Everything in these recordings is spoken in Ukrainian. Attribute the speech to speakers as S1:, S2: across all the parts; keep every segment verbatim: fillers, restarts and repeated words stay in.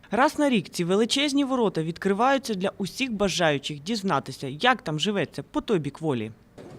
S1: Раз на рік ці величезні ворота відкриваються для усіх бажаючих дізнатися, як там живеться по той бік волі.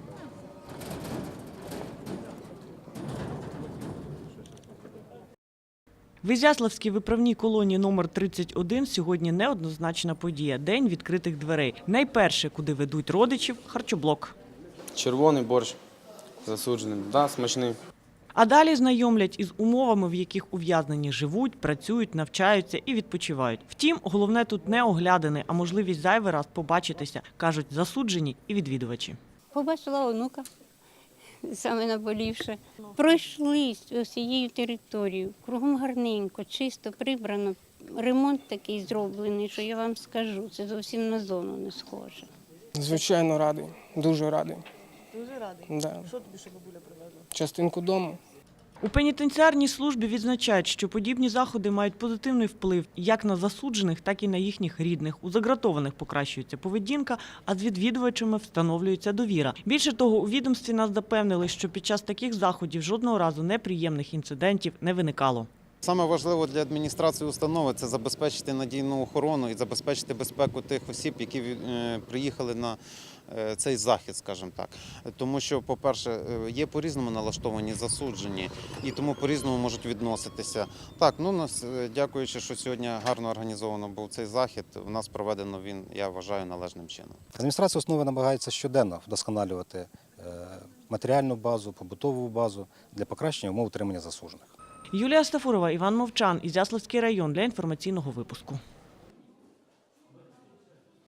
S1: В Ізяславській виправній колонії номер тридцять один сьогодні неоднозначна подія – День відкритих дверей. Найперше, куди ведуть родичів – харчоблок.
S2: Червоний борщ засудженим, да, смачний.
S1: А далі знайомлять із умовами, в яких ув'язнені живуть, працюють, навчаються і відпочивають. Втім, головне тут не оглядини, а можливість зайвий раз побачитися, кажуть засуджені і відвідувачі.
S3: Побачила онука, саме наболівше. Пройшлись усією територією, кругом гарненько, чисто, прибрано. Ремонт такий зроблений, що я вам скажу, це зовсім на зону не схоже.
S4: Звичайно, радий, дуже радий.
S1: Дуже радий.
S4: Да.
S1: Що тобі ще бабуля привезла?
S4: Частинку дому.
S1: У пенітенціарній службі відзначають, що подібні заходи мають позитивний вплив як на засуджених, так і на їхніх рідних. У загратованих покращується поведінка, а з відвідувачами встановлюється довіра. Більше того, у відомстві нас запевнили, що під час таких заходів жодного разу неприємних інцидентів не виникало.
S5: Саме важливо для адміністрації установи – це забезпечити надійну охорону і забезпечити безпеку тих осіб, які приїхали на цей захід, скажімо так. Тому що, по-перше, є по-різному налаштовані засуджені і тому по-різному можуть відноситися. Так, ну, нас, дякуючи, що сьогодні гарно організовано був цей захід, у нас проведено він, я вважаю, належним чином.
S6: Адміністрація установи намагається щоденно вдосконалювати матеріальну базу, побутову базу для покращення умов утримання засуджених.
S1: Юлія Стафурова, Іван Мовчан, Ізяславський район для інформаційного випуску.